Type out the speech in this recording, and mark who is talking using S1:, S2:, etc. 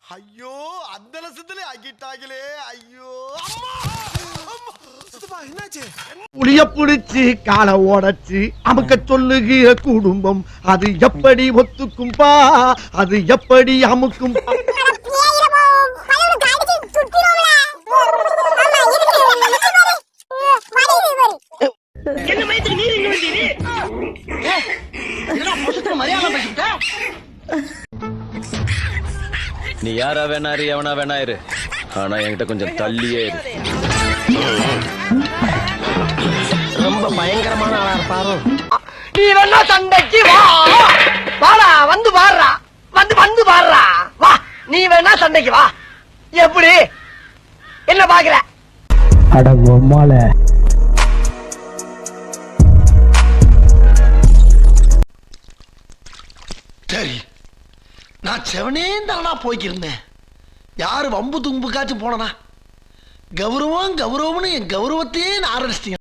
S1: ஐயோ அந்த லட்சத்துல ஆக்கிட்டாங்களே. ஐயோ என்னாச்சு?
S2: புளிய புடிச்சு காலை ஓடச்சு அமுக்க சொல்லுகிற குடும்பம் அது எப்படி ஒத்துக்கும்பா, அது எப்படி அமுக்கும்?
S3: நீ யாரா வேணாரு எவனா வேணாயிரு, ஆனா என்கிட்ட கொஞ்சம் தள்ளியே இரு.
S2: ரொம்ப பயங்கரமான ஆளா இருப்பாரோ. நீ வேணா சண்டைக்கு வா, வாடா வந்து பாடுறா, வந்து பாடுறா வா. நீ வேணா சண்டைக்கு வா. எப்படி என்ன பாக்குற? அட பொம்மால
S1: சரி, நான் செவனே தானா போய்க்கிருந்தேன். யாரு வம்பு தும்புக்காச்சும் போனனா? கௌரவம் கௌரவம்னு என் கௌரவத்தையே ஆரம்பிச்சிட்டீங்க.